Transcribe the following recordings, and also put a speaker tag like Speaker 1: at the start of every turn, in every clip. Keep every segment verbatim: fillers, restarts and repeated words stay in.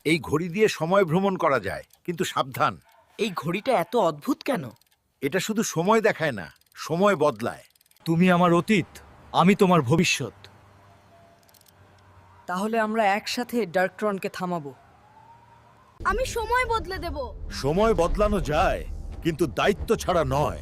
Speaker 1: এই ঘড়ি দিয়ে সময় ভ্রমণ করা যায়, কিন্তু সাবধান।
Speaker 2: এই ঘড়িটা এত অদ্ভুত কেন?
Speaker 1: এটা শুধু সময় দেখায় না, সময় বদলায়।
Speaker 3: তুমি আমার অতীত, আমি তোমার ভবিষ্যৎ।
Speaker 2: তাহলে আমরা একসাথে ডার্কট্রনকে থামাবো।
Speaker 4: আমি সময় বদলে দেব।
Speaker 1: সময় বদলানো যায়, কিন্তু দায়িত্ব ছাড়া নয়।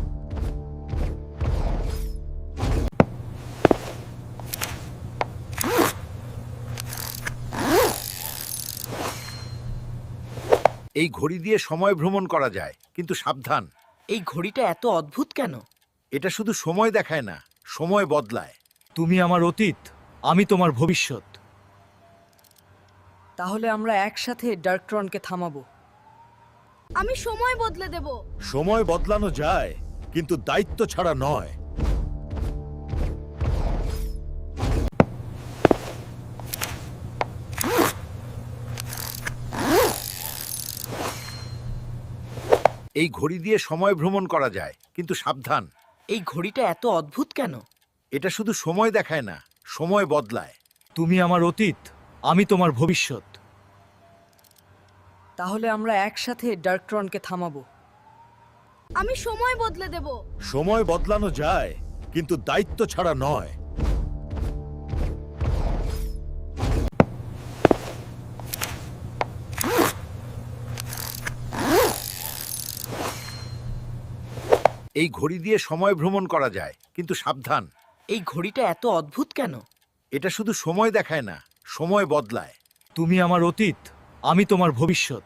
Speaker 1: এই ঘড়ি দিয়ে সময় ভ্রমণ করা যায়, কিন্তু সাবধান।
Speaker 2: এই ঘড়িটা এত অদ্ভুত কেন?
Speaker 1: এটা শুধু সময় দেখায় না, সময় বদলায়।
Speaker 3: তুমি আমার অতীত, আমি তোমার ভবিষ্যৎ।
Speaker 2: তাহলে আমরা একসাথে ডার্কট্রনকে থামাবো।
Speaker 4: আমি সময় বদলে দেব।
Speaker 1: সময় বদলানো যায়, কিন্তু দায়িত্ব ছাড়া নয়। এই ঘড়ি দিয়ে সময় ভ্রমণ করা যায়, কিন্তু সাবধান।
Speaker 2: এই ঘড়িটা এত অদ্ভুত কেন?
Speaker 1: এটা শুধু সময় দেখায় না, সময় বদলায়।
Speaker 3: তুমি আমার অতীত, আমি তোমার ভবিষ্যৎ।
Speaker 2: তাহলে আমরা একসাথে ডার্কট্রনকে থামাবো।
Speaker 4: আমি সময় বদলে দেব।
Speaker 1: সময় বদলানো যায়, কিন্তু দায়িত্ব ছাড়া নয়। এই ঘড়ি দিয়ে সময় ভ্রমণ করা যায়, কিন্তু সাবধান।
Speaker 2: এই ঘড়িটা এত অদ্ভুত কেন?
Speaker 1: এটা শুধু সময় দেখায় না, সময় বদলায়।
Speaker 3: তুমি আমার অতীত, আমি তোমার ভবিষ্যৎ।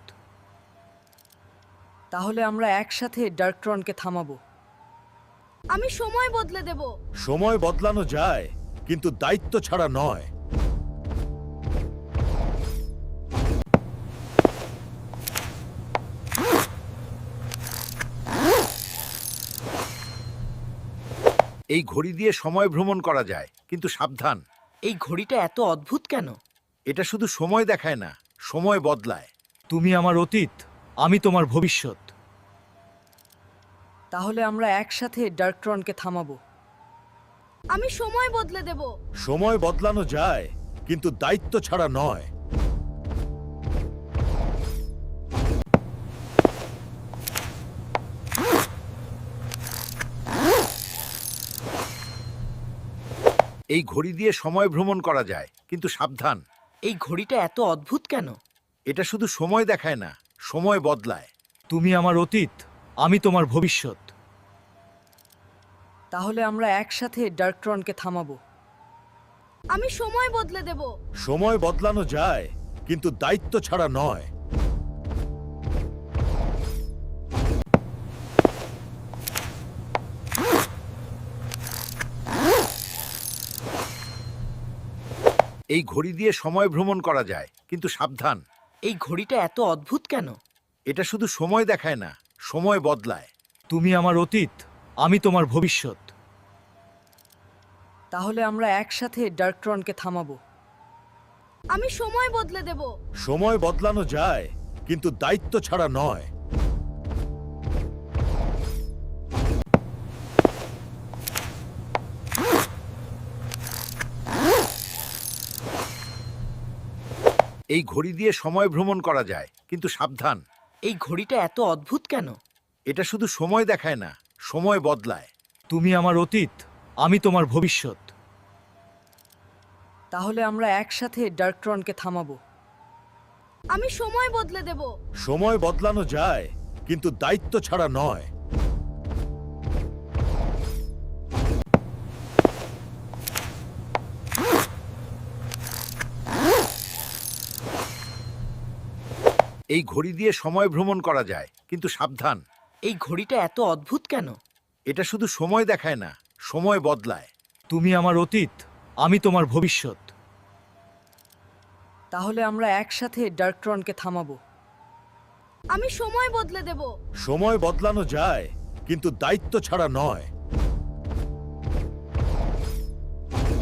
Speaker 2: তাহলে আমরা একসাথে ডার্কট্রনকে থামাবো।
Speaker 4: আমি সময় বদলে দেব।
Speaker 1: সময় বদলানো যায়, কিন্তু দায়িত্ব ছাড়া নয়। এই ঘড়ি দিয়ে সময় ভ্রমণ করা যায়, কিন্তু সাবধান।
Speaker 2: এই ঘড়িটা এত অদ্ভুত কেন?
Speaker 1: এটা শুধু সময় দেখায় না, সময় বদলায়।
Speaker 3: তুমি আমার অতীত, আমি তোমার ভবিষ্যৎ।
Speaker 2: তাহলে আমরা একসাথে ডার্কট্রনকে থামাবো।
Speaker 4: আমি সময় বদলে দেব।
Speaker 1: সময় বদলানো যায়, কিন্তু দায়িত্ব ছাড়া নয়। এই ঘড়ি দিয়ে সময় ভ্রমণ করা যায়, কিন্তু সাবধান।
Speaker 2: এই ঘড়িটা এত অদ্ভুত কেন?
Speaker 1: এটা শুধু সময় দেখায় না, সময় বদলায়।
Speaker 3: তুমি আমার অতীত, আমি তোমার ভবিষ্যৎ।
Speaker 2: তাহলে আমরা একসাথে ডার্কট্রনকে থামাবো।
Speaker 4: আমি সময় বদলে দেব।
Speaker 1: সময় বদলানো যায়, কিন্তু দায়িত্ব ছাড়া নয়। এই ঘড়ি দিয়ে সময় ভ্রমণ করা যায়, কিন্তু সাবধান।
Speaker 2: এই ঘড়িটা এত অদ্ভুত কেন?
Speaker 1: এটা শুধু সময় দেখায় না, সময় বদলায়।
Speaker 3: তুমি আমার অতীত, আমি তোমার ভবিষ্যৎ।
Speaker 2: তাহলে আমরা একসাথে ডার্কট্রনকে থামাবো।
Speaker 4: আমি সময় বদলে দেব।
Speaker 1: সময় বদলানো যায়, কিন্তু দায়িত্ব ছাড়া নয়। এই ঘড়ি দিয়ে সময় ভ্রমণ করা যায়, কিন্তু সাবধান।
Speaker 2: এই ঘড়িটা এত অদ্ভুত কেন?
Speaker 1: এটা শুধু সময় দেখায় না, সময় বদলায়।
Speaker 3: তুমি আমার অতীত, আমি তোমার ভবিষ্যৎ।
Speaker 2: তাহলে আমরা একসাথে ডার্কট্রনকে থামাবো।
Speaker 4: আমি সময় বদলে দেব।
Speaker 1: সময় বদলানো যায়, কিন্তু দায়িত্ব ছাড়া নয়। এই ঘড়ি দিয়ে সময় ভ্রমণ করা যায়, কিন্তু সাবধান।
Speaker 2: এই ঘড়িটা এত অদ্ভুত কেন?
Speaker 1: এটা শুধু সময় দেখায় না, সময় বদলায়।
Speaker 3: তুমি আমার অতীত, আমি তোমার ভবিষ্যৎ।
Speaker 2: তাহলে আমরা একসাথে ডার্কট্রনকে থামাবো।
Speaker 4: আমি সময় বদলে দেব।
Speaker 1: সময় বদলানো যায়, কিন্তু দায়িত্ব ছাড়া নয়।